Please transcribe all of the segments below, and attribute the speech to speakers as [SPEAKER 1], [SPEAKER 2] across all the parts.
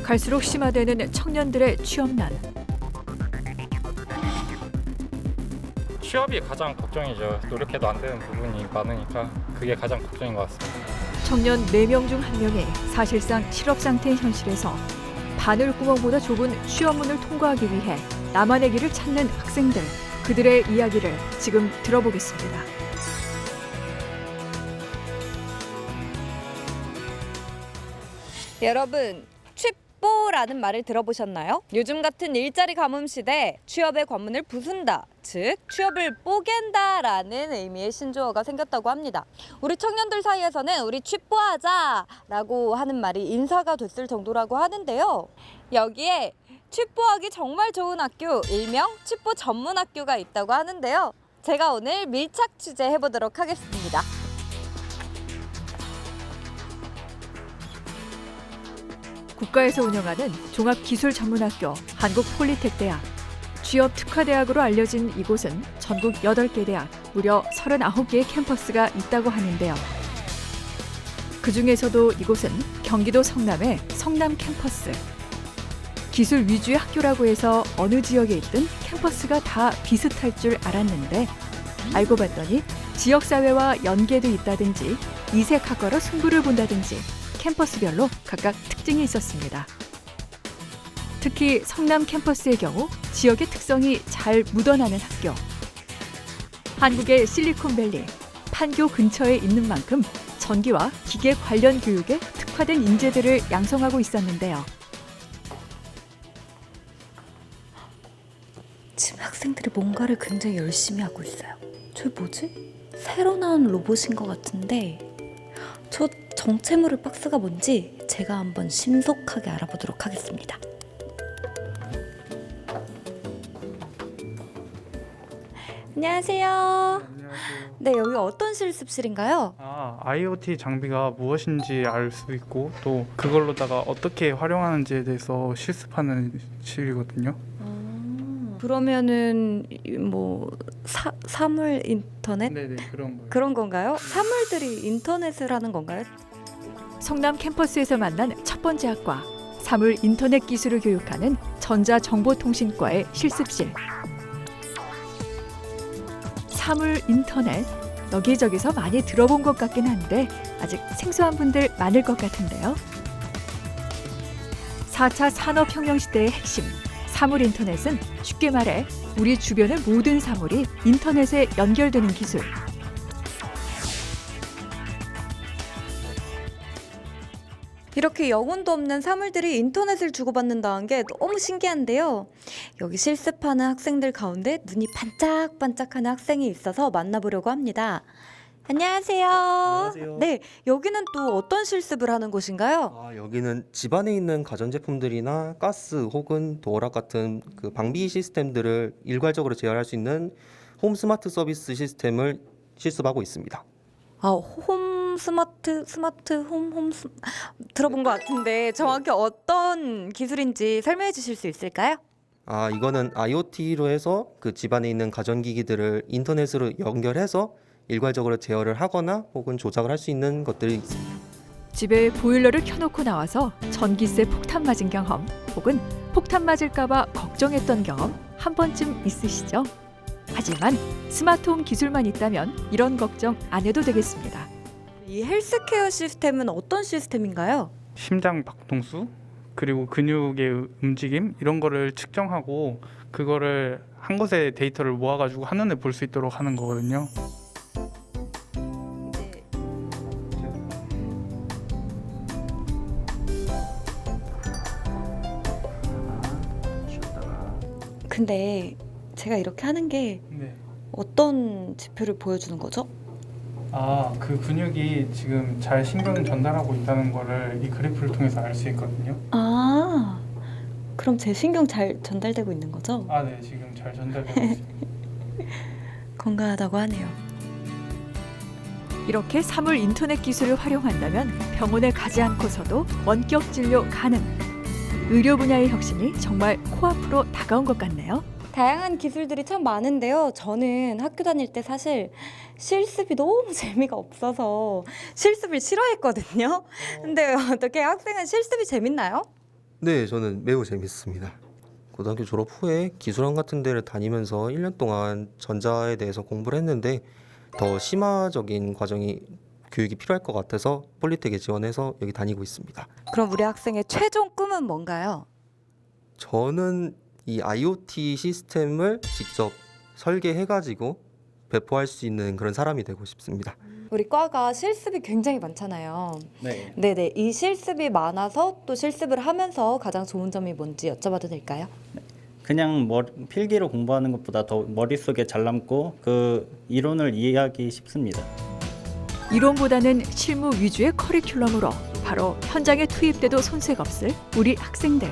[SPEAKER 1] 갈수록 심화되는 청년들의 취업난.
[SPEAKER 2] 취업이 가장 걱정이죠. 노력해도 안 되는 부분이 많으니까 그게 가장 걱정인 것 같습니다.
[SPEAKER 1] 청년 4명 중 1명이 사실상 실업 상태인 현실에서 바늘구멍보다 좁은 취업문을 통과하기 위해 나만의 길을 찾는 학생들, 그들의 이야기를 지금 들어보겠습니다.
[SPEAKER 3] 여러분, 취뽀라는 말을 들어보셨나요? 요즘 같은 일자리 가뭄 시대 취업의 관문을 부순다, 즉 취업을 뽀갠다라는 의미의 신조어가 생겼다고 합니다. 우리 청년들 사이에서는 우리 취뽀하자라고 하는 말이 인사가 됐을 정도라고 하는데요. 여기에 취뽀하기 정말 좋은 학교, 일명 취뽀 전문 학교가 있다고 하는데요. 제가 오늘 밀착 취재해보도록 하겠습니다.
[SPEAKER 1] 국가에서 운영하는 종합기술전문학교 한국폴리텍대학. 취업 특화대학으로 알려진 이곳은 전국 8개 대학, 무려 39개의 캠퍼스가 있다고 하는데요. 그중에서도 이곳은 경기도 성남의 성남 캠퍼스. 기술 위주의 학교라고 해서 어느 지역에 있든 캠퍼스가 다 비슷할 줄 알았는데 알고 봤더니 지역사회와 연계도 있다든지 이색학과로 승부를 본다든지 캠퍼스별로 각각 특징이 있었습니다. 특히 성남 캠퍼스의 경우 지역의 특성이 잘 묻어나는 학교. 한국의 실리콘밸리, 판교 근처에 있는 만큼 전기와 기계 관련 교육에 특화된 인재들을 양성하고 있었는데요.
[SPEAKER 4] 지금 학생들이 뭔가를 굉장히 열심히 하고 있어요. 저 뭐지? 새로 나온 로봇인 것 같은데 저 정체모를 박스가 뭔지 제가 한번 신속하게 알아보도록 하겠습니다. 안녕하세요.
[SPEAKER 5] 안녕하세요.
[SPEAKER 4] 네, 여기 어떤 실습실인가요?
[SPEAKER 5] IoT 장비가 무엇인지 알 수 있고 또 그걸로다가 어떻게 활용하는지에 대해서 실습하는 실이거든요.
[SPEAKER 4] 그러면은 뭐 사물 인터넷?
[SPEAKER 5] 네네, 그런 거예요.
[SPEAKER 4] 그런 건가요? 사물들이 인터넷을 하는 건가요?
[SPEAKER 1] 성남 캠퍼스에서 만난 첫 번째 학과, 사물 인터넷 기술을 교육하는 전자정보통신과의 실습실. 사물 인터넷, 여기저기서 많이 들어본 것 같긴 한데 아직 생소한 분들 많을 것 같은데요. 4차 산업혁명 시대의 핵심, 사물 인터넷은 쉽게 말해 우리 주변의 모든 사물이 인터넷에 연결되는 기술.
[SPEAKER 4] 이렇게 영혼도 없는 사물들이 인터넷을 주고받는다는 게 너무 신기한데요. 여기 실습하는 학생들 가운데 눈이 반짝반짝하는 학생이 있어서 만나보려고 합니다. 안녕하세요.
[SPEAKER 6] 안녕하세요.
[SPEAKER 4] 네, 여기는 또 어떤 실습을 하는 곳인가요?
[SPEAKER 6] 여기는 집안에 있는 가전제품들이나 가스 혹은 도어락 같은 그 방비 시스템들을 일괄적으로 제어할 수 있는 홈 스마트 서비스 시스템을 실습하고 있습니다.
[SPEAKER 4] 홈 스마트 들어본 것 같은데 정확히 어떤 기술인지 설명해 주실 수 있을까요?
[SPEAKER 6] 이거는 IoT로 해서 그 집안에 있는 가전기기들을 인터넷으로 연결해서 일괄적으로 제어를 하거나 혹은 조작을 할 수 있는 것들이 있습니다.
[SPEAKER 1] 집에 보일러를 켜놓고 나와서 전기세 폭탄 맞은 경험 혹은 폭탄 맞을까봐 걱정했던 경험 한 번쯤 있으시죠? 하지만 스마트홈 기술만 있다면 이런 걱정 안 해도 되겠습니다.
[SPEAKER 4] 이 헬스케어 시스템은 어떤 시스템인가요?
[SPEAKER 5] 심장 박동수 그리고 근육의 움직임 이런 거를 측정하고 그거를 한 곳에 데이터를 모아가지고 한눈에 볼 수 있도록 하는 거거든요.
[SPEAKER 4] 근데 제가 이렇게 하는 게
[SPEAKER 5] 네.
[SPEAKER 4] 어떤 지표를 보여주는 거죠?
[SPEAKER 5] 그 근육이 지금 잘 신경 전달하고 있다는 거를 이 그래프를 통해서 알 수 있거든요.
[SPEAKER 4] 그럼 제 신경 잘 전달되고 있는 거죠?
[SPEAKER 5] 네, 지금 잘 전달되고 있습니다.
[SPEAKER 4] 건강하다고 하네요.
[SPEAKER 1] 이렇게 사물 인터넷 기술을 활용한다면 병원에 가지 않고서도 원격 진료 가능. 의료 분야의 혁신이 정말 코앞으로 다가온 것 같네요.
[SPEAKER 4] 다양한 기술들이 참 많은데요. 저는 학교 다닐 때 사실 실습이 너무 재미가 없어서 실습을 싫어했거든요. 근데 어떻게 학생은 실습이 재밌나요?
[SPEAKER 6] 네, 저는 매우 재밌습니다. 고등학교 졸업 후에 기술원 같은 데를 다니면서 1년 동안 전자에 대해서 공부를 했는데 더 심화적인 교육이 필요할 것 같아서 폴리텍에 지원해서 여기 다니고 있습니다.
[SPEAKER 4] 그럼 우리 학생의 최종 꿈은 뭔가요?
[SPEAKER 6] 저는 이 IoT 시스템을 직접 설계해가지고 배포할 수 있는 그런 사람이 되고 싶습니다.
[SPEAKER 4] 우리 과가 실습이 굉장히 많잖아요.
[SPEAKER 7] 네.
[SPEAKER 4] 네네. 이 실습이 많아서 또 실습을 하면서 가장 좋은 점이 뭔지 여쭤봐도 될까요?
[SPEAKER 7] 그냥 필기로 공부하는 것보다 더 머릿속에 잘 남고 그 이론을 이해하기 쉽습니다.
[SPEAKER 1] 이론보다는 실무 위주의 커리큘럼으로 바로 현장에 투입돼도 손색 없을 우리 학생들.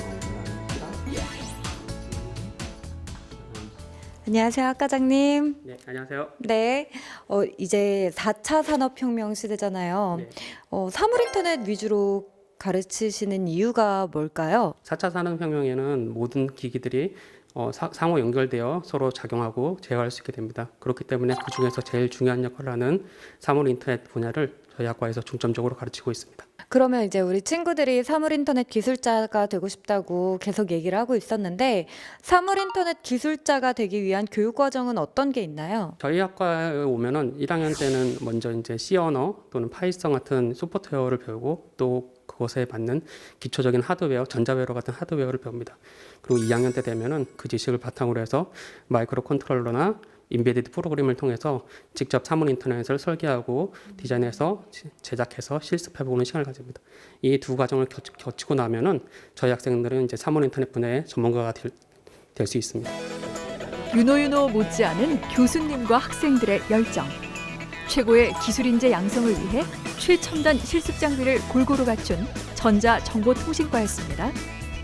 [SPEAKER 4] 안녕하세요, 학과장님.
[SPEAKER 8] 네, 안녕하세요.
[SPEAKER 4] 네. 이제 4차 산업혁명 시대잖아요.
[SPEAKER 8] 네.
[SPEAKER 4] 사물인터넷 위주로 가르치시는 이유가 뭘까요?
[SPEAKER 8] 4차 산업혁명에는 모든 기기들이 상호 연결되어 서로 작용하고 제어할 수 있게 됩니다. 그렇기 때문에 그중에서 제일 중요한 역할을 하는 사물인터넷 분야를 저희 학과에서 중점적으로 가르치고 있습니다.
[SPEAKER 4] 그러면 이제 우리 친구들이 사물인터넷 기술자가 되고 싶다고 계속 얘기를 하고 있었는데 사물인터넷 기술자가 되기 위한 교육 과정은 어떤 게 있나요?
[SPEAKER 8] 저희 학과에 오면은 1학년 때는 먼저 이제 C 언어 또는 파이썬 같은 소프트웨어를 배우고 또 그것에 맞는 기초적인 하드웨어, 전자회로 같은 하드웨어를 배웁니다. 그리고 2학년 때 되면은 그 지식을 바탕으로 해서 마이크로 컨트롤러나 인베디드 프로그램을 통해서 직접 사물 인터넷을 설계하고 디자인해서 제작해서 실습해보는 시간을 가집니다. 이 두 과정을 거치고 나면은 저희 학생들은 이제 사물 인터넷 분야의 전문가가 될 수 있습니다.
[SPEAKER 1] 유노유노 못지않은 교수님과 학생들의 열정. 최고의 기술 인재 양성을 위해 최첨단 실습 장비를 골고루 갖춘 전자정보통신과였습니다.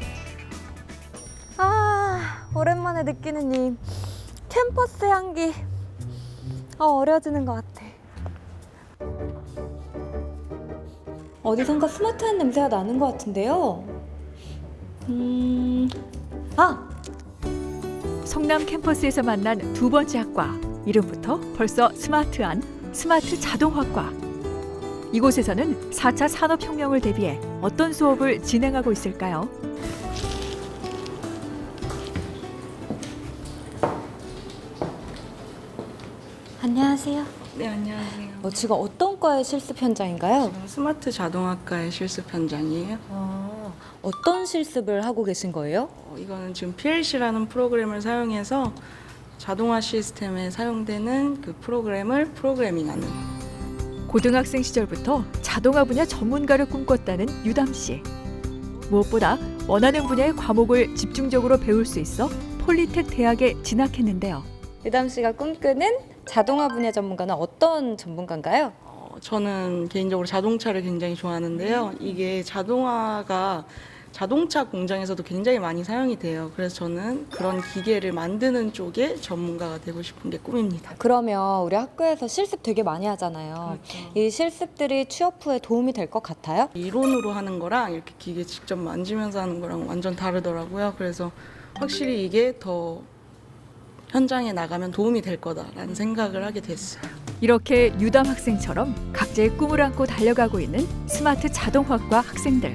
[SPEAKER 4] 오랜만에 느끼는 이 캠퍼스 향기. 어려지는 것 같아. 어디선가 스마트한 냄새가 나는 것 같은데요.
[SPEAKER 1] 성남 캠퍼스에서 만난 두 번째 학과. 이름부터 벌써 스마트한 스마트 자동화과. 이곳에서는 4차 산업혁명을 대비해 어떤 수업을 진행하고 있을까요?
[SPEAKER 4] 안녕하세요.
[SPEAKER 9] 네, 안녕하세요.
[SPEAKER 4] 지금 어떤 과의 실습 현장인가요?
[SPEAKER 9] 지금 스마트 자동학과의 실습 현장이에요.
[SPEAKER 4] 어떤 실습을 하고 계신 거예요?
[SPEAKER 9] 이거는 지금 PLC라는 프로그램을 사용해서 자동화 시스템에 사용되는 그 프로그램을 프로그래밍하는.
[SPEAKER 1] 고등학생 시절부터 자동화 분야 전문가를 꿈꿨다는 유담 씨. 무엇보다 원하는 분야의 과목을 집중적으로 배울 수 있어 폴리텍 대학에 진학했는데요.
[SPEAKER 4] 유담 씨가 꿈꾸는 자동화 분야 전문가는 어떤 전문가인가요?
[SPEAKER 9] 저는 개인적으로 자동차를 굉장히 좋아하는데요. 이게 자동화가 자동차 공장에서도 굉장히 많이 사용이 돼요. 그래서 저는 그런 기계를 만드는 쪽에 전문가가 되고 싶은 게 꿈입니다.
[SPEAKER 4] 그러면 우리 학교에서 실습 되게 많이 하잖아요. 이 실습들이 취업 후에 도움이 될 것 같아요?
[SPEAKER 9] 이론으로 하는 거랑 이렇게 기계 직접 만지면서 하는 거랑 완전 다르더라고요. 그래서 확실히 이게 더 현장에 나가면 도움이 될 거다라는 생각을 하게 됐어요.
[SPEAKER 1] 이렇게 유담 학생처럼 각자의 꿈을 안고 달려가고 있는 스마트 자동화과 학생들.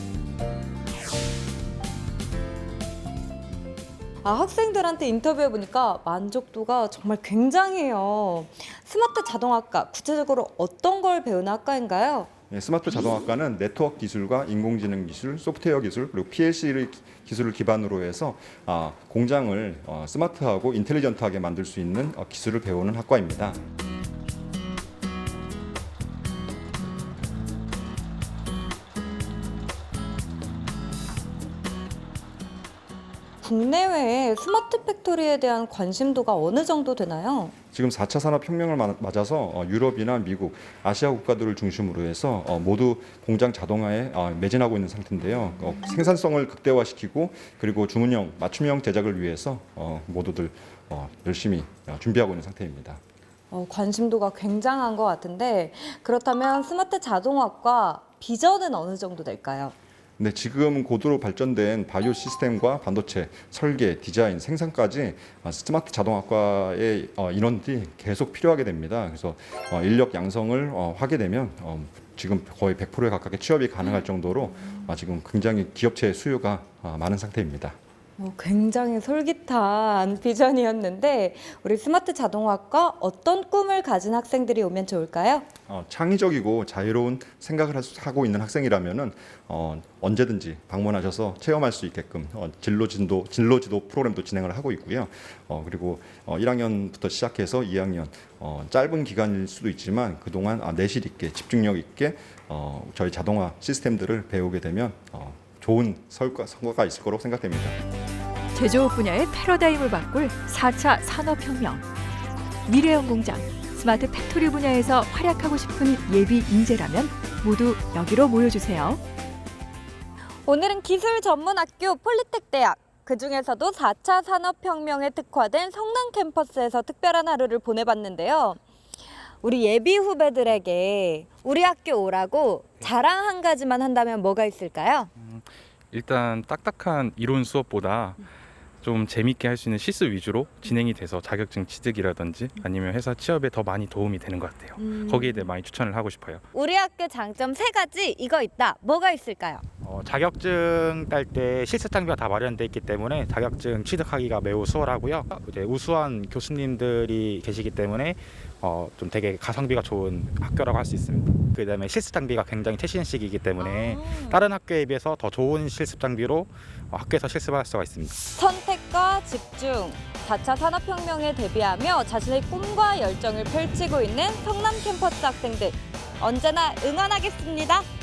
[SPEAKER 4] 학생들한테 인터뷰해보니까 만족도가 정말 굉장해요. 스마트 자동학과, 구체적으로 어떤 걸 배우는 학과인가요?
[SPEAKER 10] 네, 스마트 자동학과는 네트워크 기술과 인공지능 기술, 소프트웨어 기술, 그리고 PLC 기술을 기반으로 해서 공장을 스마트하고 인텔리전트하게 만들 수 있는 기술을 배우는 학과입니다.
[SPEAKER 4] 국내외에 스마트 팩토리에 대한 관심도가 어느 정도 되나요?
[SPEAKER 10] 지금 4차 산업혁명을 맞아서 유럽이나 미국, 아시아 국가들을 중심으로 해서 모두 공장 자동화에 매진하고 있는 상태인데요. 생산성을 극대화시키고 그리고 주문형, 맞춤형 제작을 위해서 모두들 열심히 준비하고 있는 상태입니다.
[SPEAKER 4] 관심도가 굉장한 것 같은데 그렇다면 스마트 자동학과 비전은 어느 정도 될까요?
[SPEAKER 10] 네, 지금 고도로 발전된 바이오 시스템과 반도체, 설계, 디자인, 생산까지 스마트 자동학과의 인원들이 계속 필요하게 됩니다. 그래서 인력 양성을 하게 되면 지금 거의 100%에 가깝게 취업이 가능할 정도로 지금 굉장히 기업체의 수요가 많은 상태입니다.
[SPEAKER 4] 굉장히 솔깃한 비전이었는데 우리 스마트 자동화학과 어떤 꿈을 가진 학생들이 오면 좋을까요?
[SPEAKER 10] 창의적이고 자유로운 생각을 하고 있는 학생이라면은 언제든지 방문하셔서 체험할 수 있게끔 진로지도 프로그램도 진행을 하고 있고요. 그리고 1학년부터 시작해서 2학년 짧은 기간일 수도 있지만 그동안 내실 있게 집중력 있게 저희 자동화 시스템들을 배우게 되면 좋은 성과가 있을 거라고 생각됩니다.
[SPEAKER 1] 제조업 분야의 패러다임을 바꿀 4차 산업혁명. 미래형 공장, 스마트 팩토리 분야에서 활약하고 싶은 예비 인재라면 모두 여기로 모여주세요.
[SPEAKER 3] 오늘은 기술 전문 학교 폴리텍대학, 그중에서도 4차 산업혁명에 특화된 성남 캠퍼스에서 특별한 하루를 보내봤는데요. 우리 예비 후배들에게 우리 학교 오라고 자랑 한 가지만 한다면 뭐가 있을까요?
[SPEAKER 11] 일단 딱딱한 이론 수업보다 좀 재밌게 할 수 있는 실습 위주로 진행이 돼서 자격증 취득이라든지 아니면 회사 취업에 더 많이 도움이 되는 것 같아요. 거기에 대해 많이 추천을 하고 싶어요.
[SPEAKER 3] 우리 학교 장점 3가지 이거 있다. 뭐가 있을까요?
[SPEAKER 12] 자격증 딸 때 실습 장비가 다 마련돼 있기 때문에 자격증 취득하기가 매우 수월하고요. 이제 우수한 교수님들이 계시기 때문에 좀 되게 가성비가 좋은 학교라고 할 수 있습니다. 그다음에 실습 장비가 굉장히 최신식이기 때문에 다른 학교에 비해서 더 좋은 실습 장비로 학교에서 실습할 수가 있습니다.
[SPEAKER 3] 선택과 집중, 4차 산업혁명에 대비하며 자신의 꿈과 열정을 펼치고 있는 성남 캠퍼스 학생들 언제나 응원하겠습니다.